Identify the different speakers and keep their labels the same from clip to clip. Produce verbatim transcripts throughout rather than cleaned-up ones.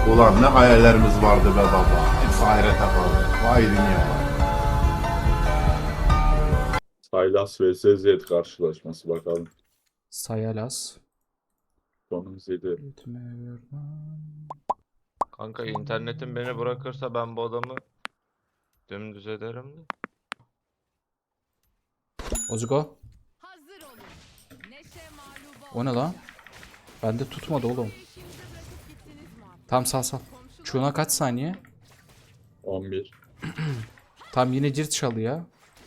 Speaker 1: Ulan ne hayallerimiz vardı be baba. Hepsi ahirete kaldı. Vay dünya vay.
Speaker 2: Saylas vs Zed karşılaşması bakalım.
Speaker 3: Sayalas.
Speaker 2: Sonumuz yedi.
Speaker 4: Kanka internetim beni bırakırsa ben bu adamı dümdüz ederim de.
Speaker 3: Ozgo.
Speaker 5: Hazır olun. Neşe mağluba
Speaker 3: O ne lan? Bende tutmadı oğlum.
Speaker 5: İşinizi bırakıp gittiniz mi abi?
Speaker 3: Tam sal sal.
Speaker 5: Komşular
Speaker 3: Çuğuna kaç saniye?
Speaker 2: on bir.
Speaker 3: Tam yine cirt çalı ya.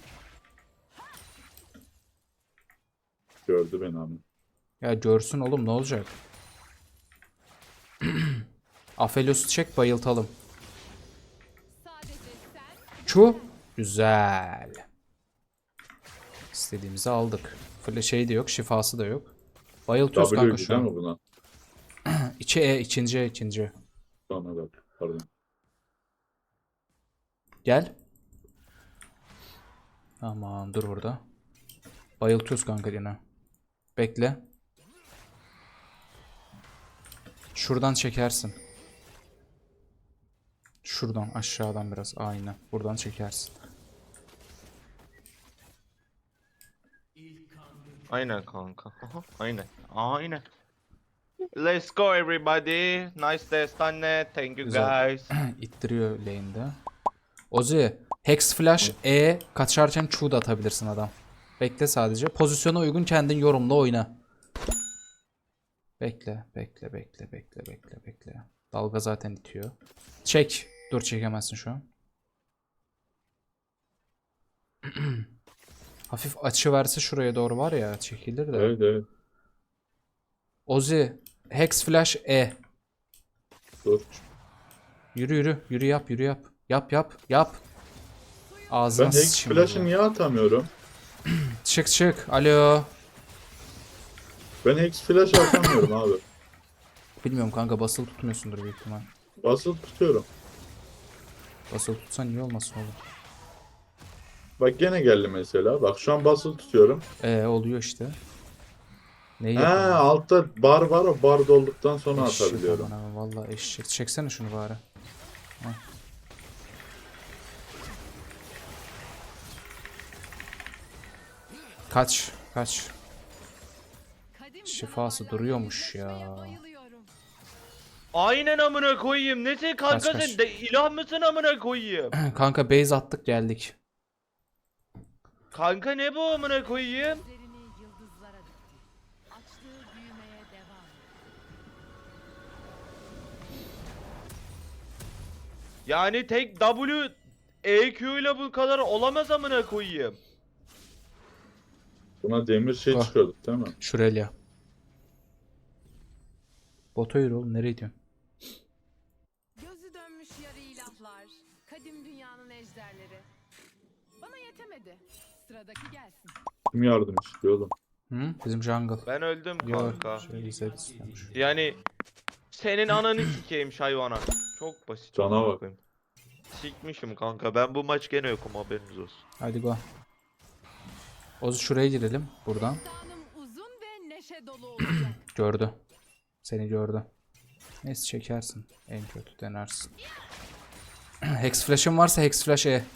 Speaker 2: Gördü beni ama.
Speaker 3: Ya görsün oğlum ne olacak? Aphelios'u çek bayıltalım.
Speaker 5: sadece sen
Speaker 3: Çu. Güzel. İstediğimizi aldık. Fle şey de yok, şifası da yok. Bayıltıyoruz
Speaker 2: W
Speaker 3: kanka şu
Speaker 2: değil
Speaker 3: an.
Speaker 2: mi buna?
Speaker 3: İçi E, ikinci E, ikinci.
Speaker 2: Sonra da. Pardon.
Speaker 3: Gel. Tamam dur burada. Bayıltıyoruz kanka yine. Bekle. Şuradan çekersin. Şuradan aşağıdan biraz. Aynen. Buradan çekersin.
Speaker 4: Aynen kanka. Aha, aynen. Aynen. Let's go everybody. Nice destane. Thank you
Speaker 3: Güzel.
Speaker 4: guys.
Speaker 3: İttiriyor lane'de. Ozi. Hex flash E kaçarken Q da atabilirsin adam. Bekle sadece. Pozisyona uygun kendin yorumla oyna. Bekle, bekle, bekle, bekle, bekle, bekle. Dalga zaten itiyor. Çek. Dur çekemezsin şu an. Hafif açı verse şuraya doğru var ya çekilir de.
Speaker 2: Evet evet.
Speaker 3: Ozi. Hex flash E.
Speaker 2: Dur.
Speaker 3: Yürü yürü. Yürü yap yürü yap. Yap yap yap. Ağzına
Speaker 2: Ben Hex
Speaker 3: sıçayım
Speaker 2: Flash'ı
Speaker 3: burada.
Speaker 2: niye atamıyorum?
Speaker 3: Çık çık. Alo.
Speaker 2: Ben Hex Flash atamıyorum abi.
Speaker 3: Bilmiyorum kanka basılı tutmuyorsundur büyük ihtimal.
Speaker 2: Basılı tutuyorum.
Speaker 3: Basılı tutsan iyi olmasın oğlum.
Speaker 2: Bak gene geldi mesela. Bak şu an basılı tutuyorum.
Speaker 3: Ee oluyor işte. Neyi
Speaker 2: He
Speaker 3: yapalım?
Speaker 2: altta bar var, o bar dolduktan sonra
Speaker 3: Eşek
Speaker 2: atabiliyorum.
Speaker 3: aman aman, vallahi eşek. Çeksene şunu bari. Heh. Kaç kaç.
Speaker 5: kadim
Speaker 3: Şifası
Speaker 5: canavarlarla
Speaker 3: duruyormuş
Speaker 5: yüzleşmeye
Speaker 3: ya.
Speaker 5: bayılıyorum.
Speaker 4: Aynen amına koyayım. Nesin kanka
Speaker 3: Kaç, kaç.
Speaker 4: sen? De, ilah mısın amına koyayım?
Speaker 3: Kanka base attık geldik.
Speaker 4: Kanka ne bu amına koyayım?
Speaker 5: Gözlerini yıldızlara dikti. Açtığı büyümeye devam.
Speaker 4: Yani tek W E Q ile bu kadar olamaz amına koyayım.
Speaker 2: Buna demir şey
Speaker 3: Ah.
Speaker 2: çıkıyorduk değil mi?
Speaker 3: Şuraya. Bota yürü oğlum nereye gidiyorsun?
Speaker 5: Gözü dönmüş yarı ilahlar. Kadim dünyanın ejderleri. Bana yetemedi. Sıradaki gelsin.
Speaker 2: Kim yardım istiyor oğlum?
Speaker 3: Hı? Bizim jungle.
Speaker 4: Ben öldüm
Speaker 3: Yok.
Speaker 4: kanka.
Speaker 3: Şöyle Zed istemiş.
Speaker 4: Yani senin ananı sikeyim hayvana. Çok basit.
Speaker 2: Cana
Speaker 4: amına
Speaker 2: bak.
Speaker 4: koyayım. Sikmişim kanka. Ben bu maç gene yokum haberiniz olsun.
Speaker 3: Hadi go. Ozu şuraya girelim buradan.
Speaker 5: Destanım uzun ve neşe dolu olacak.
Speaker 3: Gördü. Seni gördü. Neyse çekersin. En kötü denersin. Hex flash'ın varsa Hex flash E.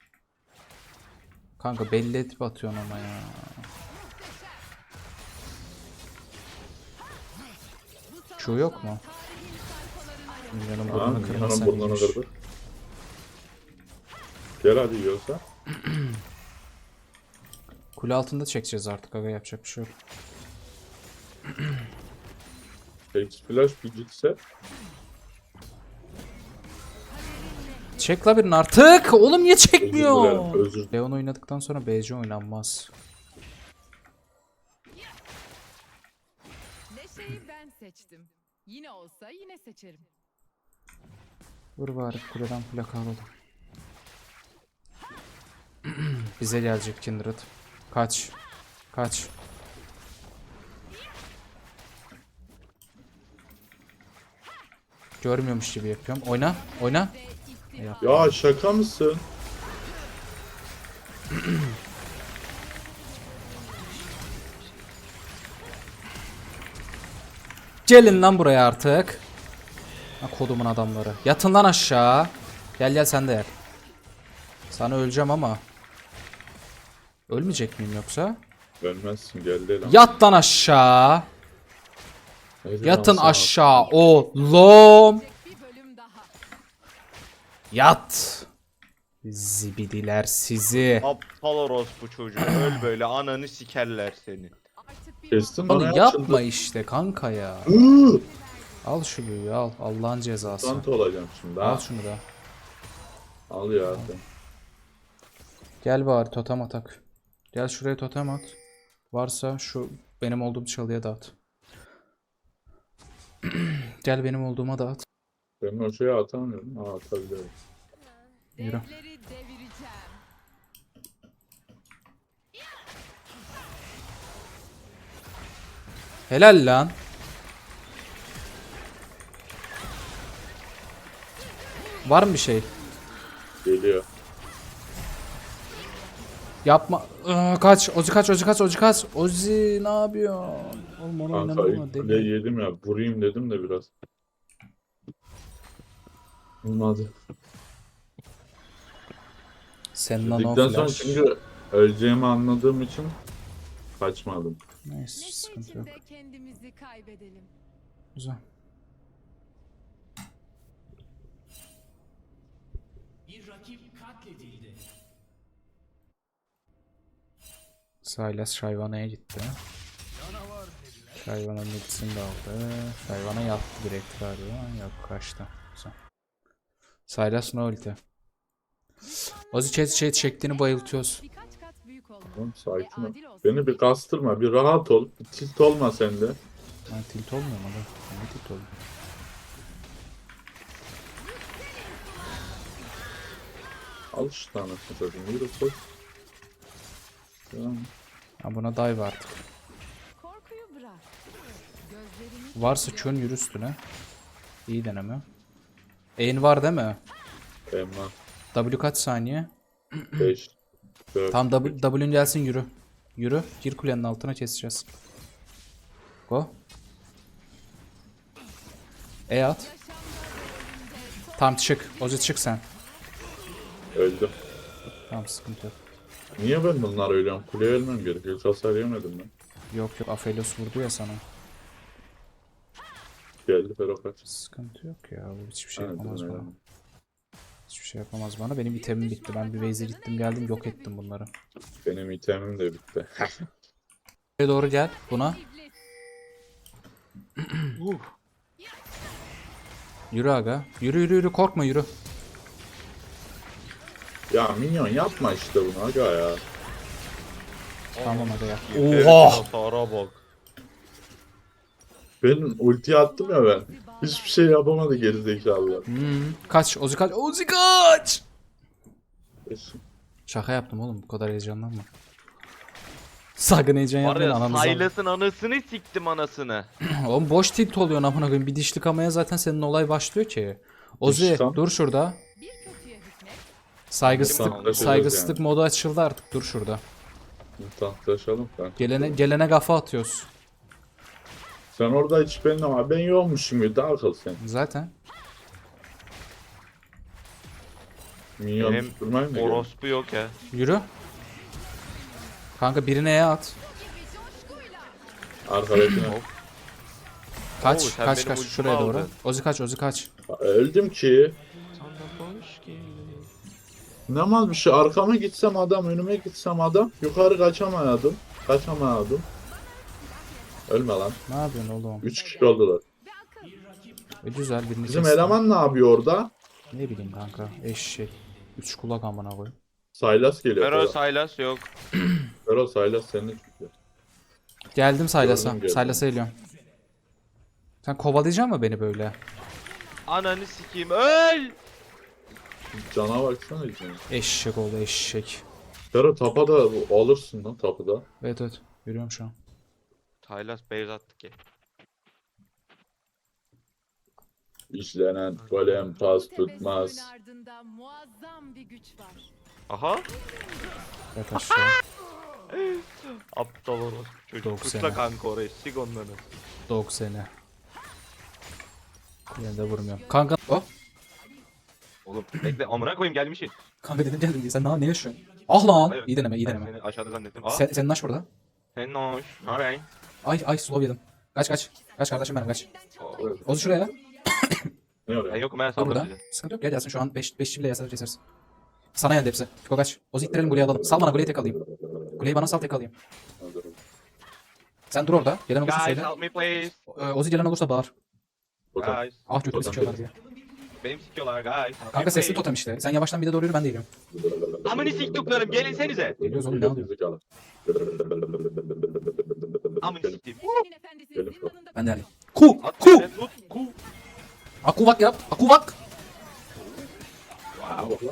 Speaker 3: Kanka belli edip atıyorsun ama ya. Q yok mu? Milyonun
Speaker 2: Ha,
Speaker 3: burnunu
Speaker 2: Nihan'ın
Speaker 3: kırmasan
Speaker 2: burnunu
Speaker 3: iyiymiş.
Speaker 2: kırdık. Gel hadi yiyorsa.
Speaker 3: Kule altında çekeceğiz artık aga yapacak bir şey yok.
Speaker 2: Hex Flash bir gitse.
Speaker 3: Çek la birini artık. Oğlum niye
Speaker 2: Özür
Speaker 3: çekmiyor?
Speaker 2: dilerim. Özür dilerim.
Speaker 3: Leon oynadıktan sonra B C oynanmaz.
Speaker 5: Neşeyi ben seçtim. Yine olsa yine seçerim.
Speaker 3: Vur bari kuleden plaka alalım. Bize gelecek Kindred. Kaç. Kaç. Görmüyormuş gibi yapıyorum. Oyna. Oyna. Yap.
Speaker 2: Ya şaka mısın?
Speaker 3: Gelin lan buraya artık. Ha, kodumun adamları. Yatın lan aşağı. Gel gel sen de gel. Sana öleceğim ama. Ölmeyecek miyim yoksa?
Speaker 2: Ölmezsin geldi lan.
Speaker 3: Yat lan aşağı.
Speaker 2: Neyse,
Speaker 3: Yatın
Speaker 2: lan sana-
Speaker 3: aşağı oğlum.
Speaker 5: Bir bölüm daha.
Speaker 3: Yat. Zibidiler sizi.
Speaker 4: Aptal orospu çocuğu. Öl böyle ananı sikerler seni.
Speaker 5: Artık bir
Speaker 2: Kestim bana
Speaker 3: Onu yapma işte kanka ya.
Speaker 2: Iıı!
Speaker 3: Al şu büyüyü al. Allah'ın cezası.
Speaker 2: Mutant olacağım şimdi
Speaker 3: Al
Speaker 2: ha.
Speaker 3: şunu da.
Speaker 2: Al ya sen.
Speaker 3: Gel bari totem atak. Gel şuraya totem at. Varsa şu benim olduğum çalıya da at. Gel benim olduğuma da at.
Speaker 2: Ben o şeye atamıyorum. Ha atabiliyorum.
Speaker 3: Yürü.
Speaker 5: devleri devireceğim.
Speaker 3: Helal lan. Var mı bir şey?
Speaker 2: Geliyor.
Speaker 3: Yapma. Iı, kaç. Ozi kaç. Ozi kaç. Ozi kaç. Ozi ne yapıyorsun? Oğlum onu
Speaker 2: Kanka
Speaker 3: oynamam
Speaker 2: ilk kuleyi yedim ya. Vurayım dedim de biraz. Olmadı.
Speaker 3: Sen nano
Speaker 2: Dedikten sonra
Speaker 3: flash.
Speaker 2: çünkü öleceğimi anladığım için kaçmadım.
Speaker 3: Neyse
Speaker 5: Neşe
Speaker 3: sıkıntı yok.
Speaker 5: içinde kendimizi kaybedelim.
Speaker 3: Güzel. Silas Shyvana'ya gitti. Shyvana'nın ultisini de aldı. Shyvana yattı direkt galiba. Yok kaçtı. Güzel. Silas no ulti. Ozi chat chat çektiğini bayıltıyoruz.
Speaker 5: Birkaç kat büyük olmalı.
Speaker 2: Tamam sakin
Speaker 5: Ve
Speaker 2: ol.
Speaker 5: adil olsun.
Speaker 2: Beni bir kastırma. Bir rahat ol. Bir tilt olma sen de.
Speaker 3: Ben tilt olmuyor mu lan? Ne tilt oluyor?
Speaker 2: Al şu tane satayım. Yürü koş. Tamam.
Speaker 3: Ha buna dive artık.
Speaker 5: Korkuyu bırak. Gözlerini
Speaker 3: Varsa çön yürü üstüne. İyi deneme. Ain var değil mi?
Speaker 2: Emma.
Speaker 3: W kaç saniye?
Speaker 2: beş. dört.
Speaker 3: Tam W, W'ün gelsin yürü. Yürü. Gir kulenin altına keseceğiz. Go. E at. Tam çık. Ozi çık sen.
Speaker 2: Öldüm.
Speaker 3: Tamam sıkıntı yok.
Speaker 2: Niye ben bunlar ölüyorum? Kuleye ölmem gerekiyor. Hiç hasar yemedim ben.
Speaker 3: Yok yok Aphelios vurdu ya sana.
Speaker 2: Geldi Fero kaç.
Speaker 3: Sıkıntı yok ya. Bu hiçbir şey
Speaker 2: Ha,
Speaker 3: yapamaz
Speaker 2: değil mi?
Speaker 3: bana. Hiçbir şey yapamaz bana. Benim itemim bitti. Ben bir base'e gittim geldim yok ettim bunları.
Speaker 2: Benim itemim de bitti.
Speaker 3: Buraya doğru gel buna. Yürü aga. Yürü yürü yürü korkma yürü.
Speaker 2: Ya minyon yapma işte bunu aga ya.
Speaker 3: Tamam aga ya.
Speaker 4: Herifin
Speaker 3: Oha!
Speaker 4: hasara bak.
Speaker 2: Ben ulti attım ya ben. Hiçbir şey yapamadı gerizekalılar.
Speaker 3: Hmm. Kaç Ozi kaç. Ozi kaç!
Speaker 2: Eşim.
Speaker 3: Şaka yaptım oğlum bu kadar heyecanlanma. Sakın heyecan
Speaker 4: Var
Speaker 3: yapmayın
Speaker 4: ya
Speaker 3: ananızı.
Speaker 4: Silas'ın anasını siktim anasını.
Speaker 3: Oğlum boş tilt oluyor amına koyayım. Bir dişlik amaya zaten senin olay başlıyor ki. Ozi
Speaker 2: Dişlik am-
Speaker 3: dur şurada.
Speaker 5: bir kötüye hükmet.
Speaker 3: Saygısızlık
Speaker 4: Tamam,
Speaker 3: saygısızlık
Speaker 2: yani.
Speaker 3: modu açıldı artık. Dur şurada.
Speaker 2: Tahtlaşalım kanka.
Speaker 3: Gelene gelene kafa atıyoruz.
Speaker 2: Sen orada hiç benim ama ben yoğunmuşum gibi daha akıl sen.
Speaker 3: Zaten.
Speaker 2: Minyon
Speaker 4: Benim
Speaker 2: tutturmayın mı?
Speaker 4: orospu yok ya.
Speaker 3: Yürü. Kanka birine E at.
Speaker 2: Arkadaşına.
Speaker 3: Kaç
Speaker 4: Oo, sen
Speaker 3: kaç
Speaker 4: benim
Speaker 3: kaç
Speaker 4: ultimi
Speaker 3: şuraya doğru.
Speaker 4: aldın.
Speaker 3: Ozi kaç Ozi kaç.
Speaker 2: Öldüm ki.
Speaker 4: Sana hoş geldin.
Speaker 2: Ne mal bir şey. Arkama gitsem adam, önüme gitsem adam. Yukarı kaçamayadım. Kaçamayadım. Ölme lan.
Speaker 3: Ne yapıyorsun oğlum?
Speaker 2: Üç kişi oldular.
Speaker 3: E, güzel birini
Speaker 2: Bizim
Speaker 3: kestim.
Speaker 2: eleman ne yapıyor orada?
Speaker 3: Ne bileyim kanka. Eşek. Üç kulak amına koy.
Speaker 2: Saylas geliyor.
Speaker 4: Fero
Speaker 2: Fero,
Speaker 4: Silas yok.
Speaker 2: Fero Saylas seninle çıkıyor.
Speaker 3: Geldim Saylas'a.
Speaker 2: Gördüm, gördüm.
Speaker 3: Saylas'a geliyorum. Sen kovalayacaksın mı beni böyle?
Speaker 4: Ananı sikeyim öl.
Speaker 2: Cana baksana içine.
Speaker 3: Eşek oldu eşek.
Speaker 2: Fero tapa da alırsın lan tapı da.
Speaker 3: Evet evet. Yürüyorum şu an.
Speaker 4: Silas base attı ki.
Speaker 2: İşlenen golem pas
Speaker 5: Bu tebessümün
Speaker 2: tutmaz.
Speaker 5: ardında muazzam bir güç var.
Speaker 4: Aha.
Speaker 3: Yat aşağı.
Speaker 4: Aptal orospu çocuk.
Speaker 3: Doksan.
Speaker 4: Kusla kanka orayı sik onları.
Speaker 3: Dog seni. Yine de vurmuyorum. Kanka. Oh.
Speaker 4: Oğlum bekle amına koyayım gelmişsin.
Speaker 3: Kanka dedim geldim diye. Sen daha ne yaşıyorsun? Ah lan.
Speaker 4: Hayır.
Speaker 3: İyi deneme iyi
Speaker 4: Ben
Speaker 3: deneme.
Speaker 4: seni aşağıda zannettim. Aa,
Speaker 3: Sen, senin aş burada.
Speaker 4: senin hoş. Alright.
Speaker 3: Ay ay slow yedim. Kaç kaç. Kaç kardeşim benim kaç.
Speaker 4: Oo,
Speaker 3: Ozu şuraya.
Speaker 2: Ne
Speaker 4: Ben
Speaker 2: oraya?
Speaker 4: yokum ben
Speaker 3: Dur
Speaker 4: saldım
Speaker 3: burada.
Speaker 4: sizi.
Speaker 3: Sıkıntı yok gel gelsin şu an beş beş bile yasa keseriz. Sana geldi hepsi. Fiko kaç. Ozu ittirelim Gule'yi alalım. Sal bana Gule'yi tek alayım. Gule'yi bana sal tek alayım. Sen dur orada. Gelen olursa
Speaker 4: Guys
Speaker 3: söyle.
Speaker 4: help me please.
Speaker 3: Ee, Ozu gelen olursa bağır.
Speaker 2: Totem.
Speaker 4: Guys.
Speaker 3: Ah götümü
Speaker 2: Totem
Speaker 3: sikiyorlar
Speaker 2: dedi.
Speaker 3: diye.
Speaker 4: Benim sikiyorlar guys. Help me
Speaker 3: Kanka sesli
Speaker 4: please.
Speaker 3: totem işte. Sen yavaştan bir de doğru yürü ben de yürüyorum.
Speaker 4: Amını siktiklerim gelinsenize.
Speaker 3: Geliyoruz oğlum ne alıyor?
Speaker 2: Zekalı.
Speaker 4: Amını siktim.
Speaker 5: Senin efendisi
Speaker 2: Gelin.
Speaker 5: zindanında
Speaker 3: Ben de alayım. Ku!
Speaker 4: At
Speaker 3: Ku!
Speaker 4: şöyle, tut. Ku.
Speaker 3: Akuvak yap. Akuvak!
Speaker 2: Wow.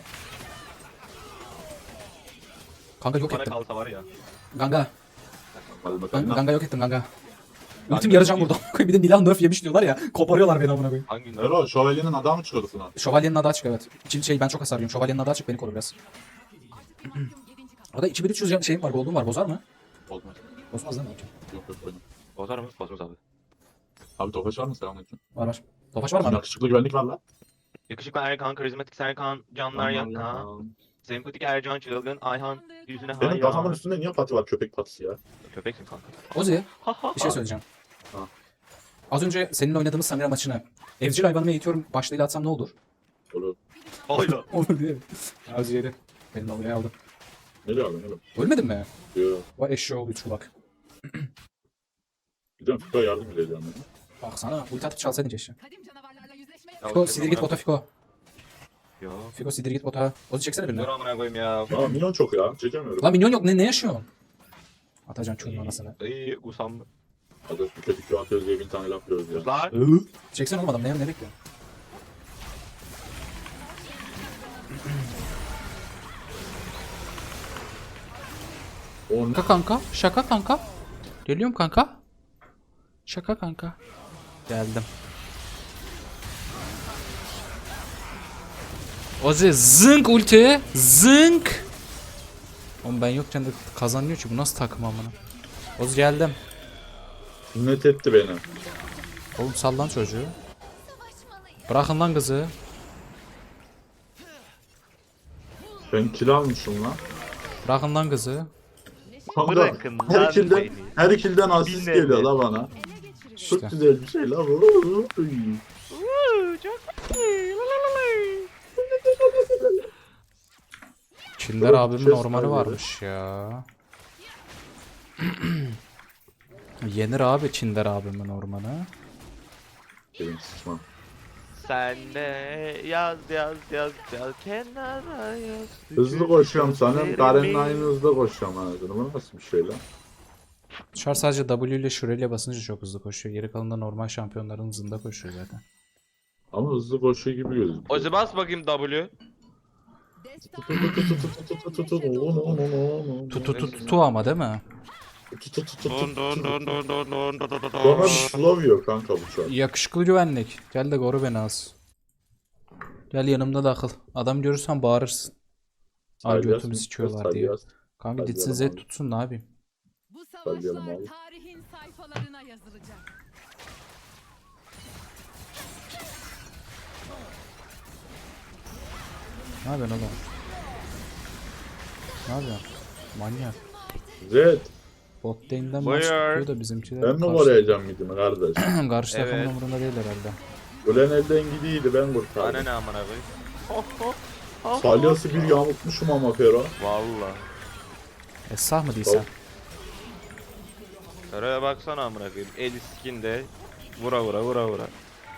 Speaker 3: Kanka yok
Speaker 4: Bana
Speaker 3: ettim.
Speaker 4: kalsa var ya.
Speaker 3: Ganga.
Speaker 2: Hadi bakalım.
Speaker 3: Ganga, Ganga yok ettim Ganga. Ultim yarayacağım burada. Bir de Nilah nerf yemiş diyorlar ya. Koparıyorlar beni amına koyayım.
Speaker 4: Hangi
Speaker 2: Ero şövalyenin adamı çıkıyordu falan.
Speaker 3: Şövalyenin adı açık evet. İçin şey ben çok hasar yiyorum. Şövalyenin adı açık beni koru biraz. Orada iki bin üç yüz şeyim var, gold'um var. Bozar mı?
Speaker 2: Olmaz.
Speaker 3: Bozmaz değil mi?
Speaker 2: Yok yok koydum.
Speaker 4: Bozar mı? Bozmaz abi.
Speaker 2: Abi topaç var mı? Selamünaleyküm.
Speaker 3: Var var. Tofaş var mı abi?
Speaker 2: Yakışıklı güvenlik var lan.
Speaker 4: Yakışıklı Erkan, karizmatik Serkan, canlar yakan. Sempatik Ercan, çılgın Ayhan, yüzüne
Speaker 2: Benim kafamın
Speaker 4: hayran.
Speaker 2: üstünde niye pati var? Köpek patisi ya.
Speaker 4: Köpeksin kanka.
Speaker 3: Ozi bir şey söyleyeceğim.
Speaker 2: Ha.
Speaker 3: Az önce seninle oynadığımız Samira maçını evcil hayvanıma eğitiyorum başlığıyla atsam ne olur?
Speaker 2: Olur.
Speaker 4: Oyla.
Speaker 3: Olur değil mi? Ozi yedi. Benim dalgaya aldım.
Speaker 2: Ne diyor abi? Ne diyor?
Speaker 3: Ölmedin mi?
Speaker 2: Diyor.
Speaker 3: Vay eşeğoğlu üç kulak.
Speaker 2: Gidiyorum. Fiko yardım edeceğim. Yani.
Speaker 3: Baksana ulti atıp çalsaydın keşke.
Speaker 5: kadim canavarlarla yüzleşmeye
Speaker 3: Fiko sidir git bota Fiko.
Speaker 4: Yo.
Speaker 3: Fiko sidir git bota. Ozi çeksene birini.
Speaker 4: Dur amına koyayım ya.
Speaker 2: Aa minyon çok ya. Çekemiyorum.
Speaker 3: Lan minyon yok ne, ne yaşıyorsun? Atacan çulun anasını.
Speaker 4: İyi usandım.
Speaker 2: Hadi bir kötü kötü atıyoruz diye bin tane laf diyoruz ya.
Speaker 4: Kızlar.
Speaker 3: Çeksene oğlum adam ne, ne bekliyor?
Speaker 2: O ne?
Speaker 3: Şaka kanka. Şaka kanka. Geliyorum kanka. Şaka kanka. Geldim. Ozi zınk ulti. Zınk. Oğlum ben yokken de kazanıyor ki bu nasıl takım amına. Ozi geldim.
Speaker 2: Sünnet etti beni.
Speaker 3: Oğlum sallan çocuğu. Bırakın lan kızı.
Speaker 2: Ben kill almışım lan.
Speaker 3: Bırakın lan kızı.
Speaker 2: Kanka,
Speaker 4: Bırakın
Speaker 2: her
Speaker 4: lan
Speaker 2: kilden,
Speaker 4: beni.
Speaker 2: her kilden asist
Speaker 4: Bilmem
Speaker 2: geliyor
Speaker 4: ne.
Speaker 2: la bana.
Speaker 5: ele geçirin.
Speaker 2: Çok
Speaker 3: İşte.
Speaker 2: güzel bir şey la bu.
Speaker 3: Kinder abimin
Speaker 2: Chest
Speaker 3: ormanı
Speaker 2: var
Speaker 3: varmış ya. Yenir abi Kinder abimin ormanı.
Speaker 2: Benim sıçmam.
Speaker 4: Sen de yaz yaz yaz yaz kenara yaz.
Speaker 2: Hızlı koşuyorum sanırım. Karen'le aynı hızda koşuyorum anasını. Bu nasıl bir şey lan?
Speaker 3: Char sadece W ile şurayla basınca çok hızlı koşuyor. Geri kalanında normal şampiyonların hızında koşuyor zaten.
Speaker 2: Ama hızlı koşuyor gibi gözüküyor.
Speaker 4: Ozi bas bakayım W.
Speaker 5: Destan
Speaker 3: Tu tu tu tu tu ama değil mi?
Speaker 4: Don don don don don don don don
Speaker 2: Sonra
Speaker 4: don.
Speaker 2: bir slow yiyor kanka bu şu an.
Speaker 3: Yakışıklı güvenlik. Gel de koru beni az. Gel yanımda da akıl. Adam görürsen bağırırsın. Ay
Speaker 2: Salyas
Speaker 3: götümü
Speaker 2: mı?
Speaker 3: sikiyorlar diye.
Speaker 2: Salyas.
Speaker 3: Kanka
Speaker 2: Hadi
Speaker 3: gitsin Z
Speaker 2: yalan abi.
Speaker 3: tutsun ne yapayım?
Speaker 5: Bu
Speaker 2: Sallayalım
Speaker 5: savaşlar
Speaker 2: abi.
Speaker 5: tarihin sayfalarına yazılacak.
Speaker 3: Ne yapıyorsun oğlum? Ne yapıyorsun? Manyak.
Speaker 2: Zed.
Speaker 3: Bot lane'den
Speaker 4: Buyur.
Speaker 3: maç tutuyor da bizimkiler
Speaker 2: Ben mi
Speaker 3: karşı,
Speaker 2: koruyacağım midimi kardeş?
Speaker 3: karşı takımın
Speaker 4: Evet.
Speaker 3: umurunda değil herhalde.
Speaker 2: Ölen elden gidiydi ben
Speaker 4: Bana
Speaker 2: kurtardım.
Speaker 4: ne amına koyayım. Oh, oh, oh,
Speaker 2: Salyası bir yamultmuşum ama Fero.
Speaker 4: Valla.
Speaker 3: Esah mı değilsen?
Speaker 4: Oraya baksana amına koyayım. El skinde vura vura vura vura.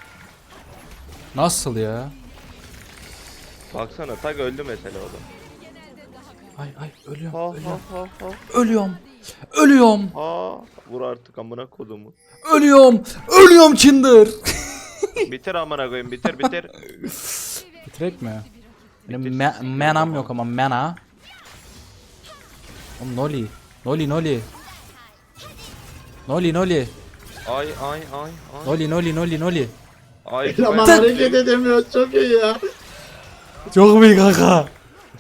Speaker 3: Nasıl ya?
Speaker 4: Baksana tak öldü mesela o da.
Speaker 3: Ay ay ölüyorum.
Speaker 4: Ha
Speaker 3: ölüyorum.
Speaker 4: ha ha ha.
Speaker 3: Ölüyorum. Ölüyorum.
Speaker 4: Ha. Vur artık amına kodumu.
Speaker 3: Ölüyorum. Ölüyorum Kinder.
Speaker 4: Bitir amına koyayım bitir bitir.
Speaker 3: Bitirek mi? Benim
Speaker 4: Bitir.
Speaker 3: me menam yok ama mena. Oğlum Noli. Noli Noli. Noli Noli.
Speaker 4: Ay ay ay ay.
Speaker 3: Noli Noli Noli Noli.
Speaker 4: Ay.
Speaker 2: Ama
Speaker 4: ben-
Speaker 2: hareket edemiyor çok iyi ya.
Speaker 3: Çok iyi kanka.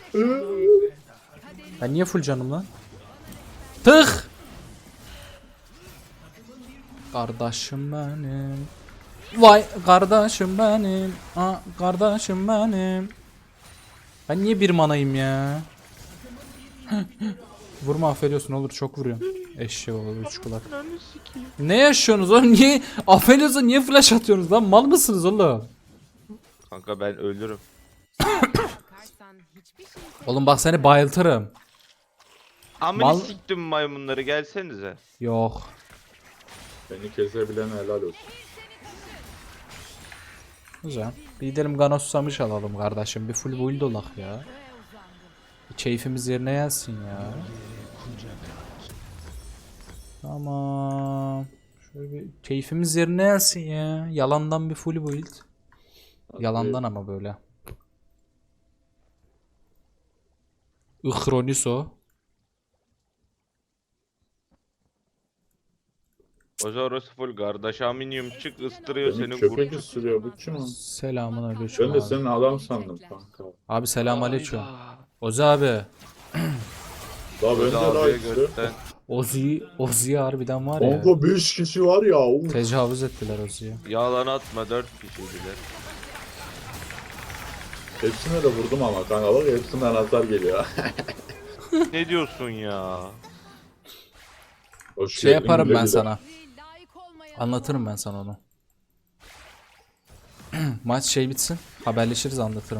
Speaker 3: Ben niye full canım lan? Tık. Kardeşim benim. Vay kardeşim benim. Aa, kardeşim benim. Ben niye bir manayım ya? Vurma affediyorsun olur çok vuruyorsun. Eşek olur üç kulak. Ne yaşıyorsunuz oğlum? Niye affediyorsun niye flash atıyorsunuz lan? Mal mısınız oğlum?
Speaker 4: Kanka ben ölürüm.
Speaker 5: Bakarsan hiçbir şey
Speaker 3: Oğlum bak seni bayıltırım.
Speaker 4: Amını
Speaker 3: Mal-
Speaker 4: siktim maymunları gelsenize.
Speaker 3: Yok.
Speaker 2: Beni kesebilen helal olsun.
Speaker 3: Güzel. Bir gidelim Gano Susamış alalım kardeşim. Bir full build olak ya.
Speaker 5: uzandı.
Speaker 3: Bir keyfimiz yerine gelsin ya. Tamam. Şöyle bir keyfimiz yerine gelsin ya. Yalandan bir full build. Yalandan ama böyle. Ihroniso.
Speaker 4: Oza orası full kardeş aminyum çık ıstırıyor
Speaker 2: Beni
Speaker 4: senin
Speaker 2: köpek
Speaker 4: kurt.
Speaker 2: ısırıyor bu kim o?
Speaker 3: Selamun aleyküm
Speaker 2: Ben de
Speaker 3: abi.
Speaker 2: senin adam sandım kanka.
Speaker 3: Abi selam aleyküm. Ozi abi.
Speaker 2: La ben de
Speaker 4: Oza
Speaker 2: la
Speaker 4: abiye
Speaker 2: işte.
Speaker 4: götten.
Speaker 3: Ozi, Ozi harbiden var ya.
Speaker 2: Kanka beş kişi var ya. Uf.
Speaker 3: Tecavüz ettiler Ozi'ye.
Speaker 4: Yalan atma dört kişiydiler.
Speaker 2: Hepsine de vurdum ama kanka bak hepsinden hasar geliyor.
Speaker 4: Ne diyorsun ya?
Speaker 2: Hoş
Speaker 3: Şey
Speaker 2: geldin,
Speaker 3: yaparım
Speaker 2: güle
Speaker 3: ben
Speaker 2: güle.
Speaker 3: sana.
Speaker 5: Layık olmayan
Speaker 3: Anlatırım ben sana onu. Maç şey bitsin. Haberleşiriz anlatırım.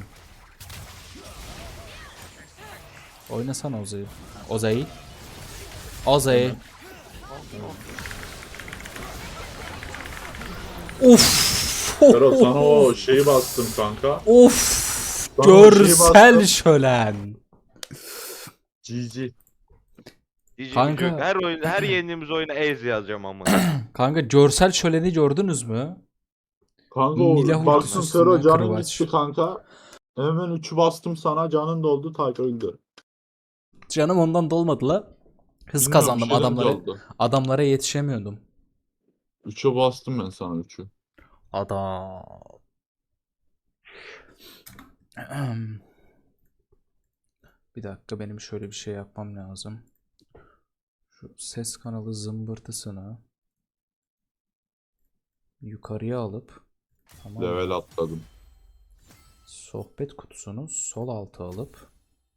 Speaker 3: Oynasana Oza'yı. Oza'yı. Oza'yı. Of.
Speaker 2: Ferhat sana o şeyi bastım kanka.
Speaker 3: Of.
Speaker 2: Sana o şeyi
Speaker 3: Görsel
Speaker 2: bastım.
Speaker 3: şölen.
Speaker 2: G G.
Speaker 4: Diyeceğim
Speaker 3: Kanka.
Speaker 4: yok. Her oyun, her yendiğimiz oyuna ez yazacağım ama.
Speaker 3: Kanka görsel şöleni gördünüz mü?
Speaker 2: Kanka o
Speaker 3: Milah
Speaker 2: baktın
Speaker 3: ultisinden
Speaker 2: Fero canın
Speaker 3: kırbaç.
Speaker 2: gitti kanka. Hemen üçü bastım sana canın doldu tak öldü.
Speaker 3: Canım ondan dolmadı la. Hız
Speaker 2: Bilmiyorum,
Speaker 3: kazandım
Speaker 2: şeyden
Speaker 3: adamlara.
Speaker 2: doldu.
Speaker 3: Adamlara yetişemiyordum.
Speaker 2: Üçe bastım ben sana üçü.
Speaker 3: Adam. Bir dakika benim şöyle bir şey yapmam lazım. Şu ses kanalı zımbırtısını yukarıya alıp tamam mı?
Speaker 2: Level atladım.
Speaker 3: Sohbet kutusunu sol alta alıp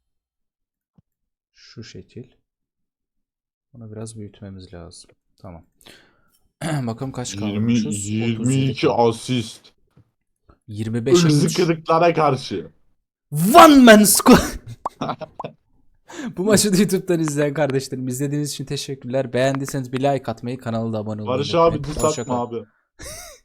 Speaker 3: şu şekil. Bunu biraz büyütmemiz lazım. Tamam. Bakalım kaç
Speaker 2: yirmi,
Speaker 3: kalmışız?
Speaker 2: yirmi iki asist.
Speaker 3: yirmi beşe
Speaker 2: Irzi
Speaker 3: üç.
Speaker 2: kırıklara karşı.
Speaker 3: One man squad. Bu maçı da YouTube'dan izleyen kardeşlerim izlediğiniz için teşekkürler. Beğendiyseniz bir like atmayı, kanala da abone olmayı
Speaker 2: Barış
Speaker 3: unutmayın.
Speaker 2: abi diss
Speaker 3: Hoşça
Speaker 2: atma
Speaker 3: kalın.
Speaker 2: abi.